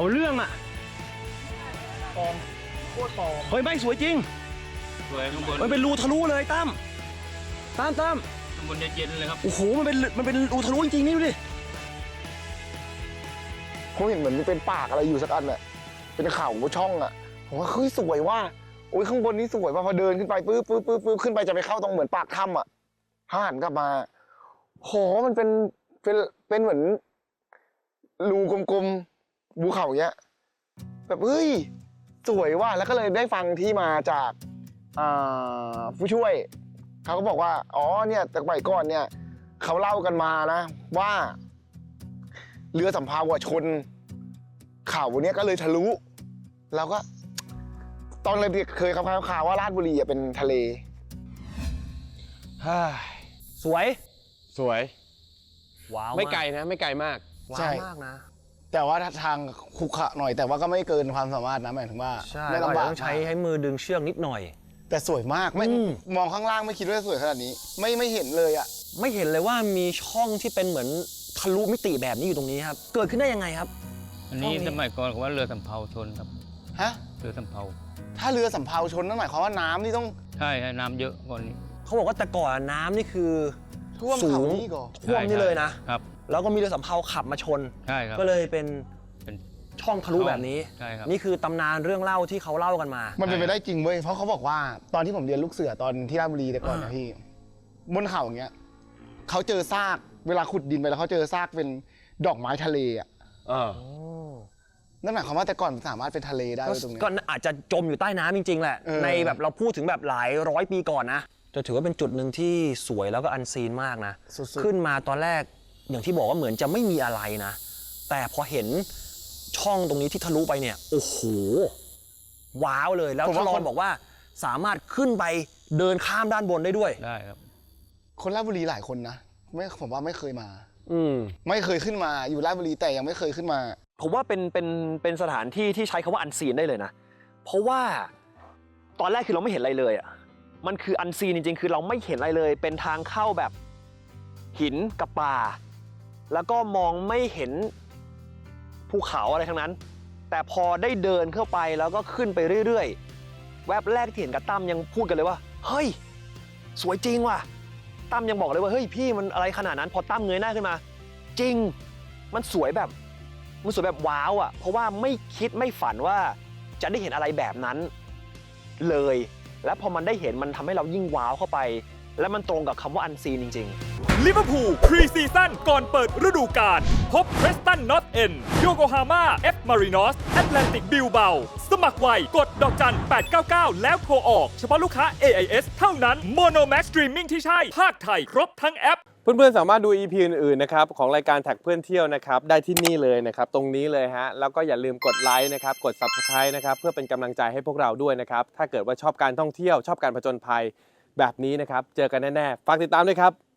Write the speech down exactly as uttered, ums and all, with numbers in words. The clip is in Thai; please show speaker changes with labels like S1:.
S1: เอาเรื่องอ่ะ
S2: ปลอมโคตรปลอม
S1: เฮ้ยไม่สวยจริง
S2: สวยข้างบน
S1: มันเป็นรูทะลุเลยตั้มตั้มตั้ม
S2: ข้างบนเย็นๆเลยครับ
S1: โอ้โหมันเป็นมันเป็นรูทะลุจริงๆนี่ดูดิ
S3: ผมเห็นเหมือนเป็นปากอะไรอยู่สักอันอะเป็นเขาช่องอะผมว่าเฮ้ยสวยว่าโอ้ยข้างบนนี้สวยว่าพอเดินขึ้นไปปื๊บปื๊บปื๊บปื๊บขึ้นไปจะไปเข้าตรงเหมือนปากถ้ำอะหันกลับมาโหมันเป็นเป็นเป็นเหมือนรูกลมๆภูเขาเนี้ยแบบเฮ้ยสวยว่าแล้วก็เลยได้ฟังที่มาจากผู้ช่วยเขาก็บอกว่าอ๋อเนี่ยแต่สมัยก่อนเนี่ยเขาเล่ากันมานะว่าเรือสำเภาชนเขาเนี้ยก็เลยทะลุแล้วก็ตอนเลยเคยข่าวข่าวว่าราชบุรีเป็นทะเล
S1: สวย
S4: สวย
S1: ว้าว
S4: ไม่ไกลนะไม่ไกลมาก
S1: ว้าวมากนะ
S3: แต่ว่าทางขุขะหน่อยแต่ว่าก็ไม่เกินความสามารถนะหมายถึงว่า
S1: ไม่ลำบากต้องใช้ให้มือดึงเชือกนิดหน่อย
S3: แต่สวยมากไม่มองข้างล่างไม่คิดว่าสวยขนาดนี้ไม่ไม่เห็นเลยอ่ะ
S1: ไม่เห็นเลยว่ามีช่องที่เป็นเหมือนทะลุมิติแบบนี้อยู่ตรงนี้ครับเกิดขึ้นได้ยังไงครับ
S2: อันนี้สมัยก่อนเขาว่าเรือสำเภาชนครับ
S3: ฮะ
S2: เรือสำเภา
S3: ถ้าเรือสำเภาชนนั่นหมายความว่าน้ำนี่ต้อง
S2: ใช่ใช่น้ำเยอะก่อนนี้
S1: เขาบอกว่าแต่ก่อนน้ำนี่คือ
S3: ท่วมเขานี่ก่อน
S1: ท่วมนี่เลยนะครับแล้วก็มีเรือสำเภาขับมาชน
S2: ใช่ครับ
S1: ก็เลยเป็น
S2: เป็น
S1: ช่องทะลุแบบนี้
S2: ใช่ครับ
S1: นี่คือตำนานเรื่องเล่าที่เขาเล่ากันมา
S3: มันเป็นไปได้จริงเว้ยเพราะเขาบอกว่าตอนที่ผมเรียนลูกเสือตอนที่ราชบุรีแต่ก่อนนะพี่บนเขาอย่างเงี้ยเขาเจอซากเวลาขุดดินไปแล้วเขาเจอซากเป็นดอกไม้ทะเลอ่ะนั่นหมายความว่าแต่ก่อนสามารถเป็นทะเลได้ตรงนี้
S1: ก็อาจจะจมอยู่ใต้น้ำจริงๆแหละในแบบเราพูดถึงแบบหลายร้อยปีก่อนนะจะถือว่าเป็นจุดหนึ่งที่สวยแล้วก็อันซีนมากนะขึ้นมาตอนแรกอย่างที่บอกว่าเหมือนจะไม่มีอะไรนะแต่พอเห็นช่องตรงนี้ที่ทะลุไปเนี่ยโอ้โหว้าวเลยแล้วทลอนบอกว่าสามารถขึ้นไปเดินข้ามด้านบนได้ด้วย
S2: ได้ครับ
S3: คนราชบุรีหลายคนนะไม่ผมว่าไม่เคยมา
S1: อืม
S3: ไม่เคยขึ้นมาอยู่ราชบุรีแต่ยังไม่เคยขึ้นมา
S1: ผมว่าเป็นเป็นเป็นสถานที่ที่ใช้คำว่าอันซีนได้เลยนะเพราะว่าตอนแรกคือเราไม่เห็นอะไรเลยอ่ะมันคืออันซีนจริงๆคือเราไม่เห็นอะไรเลยเป็นทางเข้าแบบหินกับป่าแล้วก็มองไม่เห็นภูเขาอะไรทั้งนั้นแต่พอได้เดินเข้าไปแล้วก็ขึ้นไปเรื่อยๆแวบแรกที่เห็นกับตั้มยังพูดกันเลยว่าเฮ้ยสวยจริงว่ะตั้มยังบอกเลยว่าเฮ้ยพี่มันอะไรขนาดนั้นพอตั้มเงยหน้าขึ้นมาจริงมันสวยแบบมันสวยแบบว้าวอ่ะเพราะว่าไม่คิดไม่ฝันว่าจะได้เห็นอะไรแบบนั้นเลยและพอมันได้เห็นมันทำให้เรายิ่งว้าวเข้าไปและมันตรงกับคำว่าอันซีนจริงๆ
S5: ลิเวอร์พูลพรีซีซั่นก่อนเปิดฤดูกาลพบเพรสตันนอตเอ็นโยโกฮาม่าเอฟมารินอสแอตแลนติกบิลเบาสมัครไวกดดอกจันแปดเก้าเก้าแล้วโทรออกเฉพาะลูกค้า เอ ไอ เอส เท่านั้นโมโนแม็กซ์สตรีมมิ่งที่ใช่ภาคไทยครบทั้งแอป
S4: เพื่อนๆสามารถดู อี พี อื่นๆนะครับของรายการแท็กเพื่อนเที่ยวนะครับได้ที่นี่เลยนะครับตรงนี้เลยฮะแล้วก็อย่าลืมกดไลค์นะครับกด ซับสไครบ์ นะครับเพื่อเป็นกำลังใจให้พวกเราด้วยนะครับถ้าเกิดว่าชอบการท่องเที่ยวชอบการผจญภัยแบบนี้นะครับเจอกันแน่ๆฝากติดตามด้วยครับ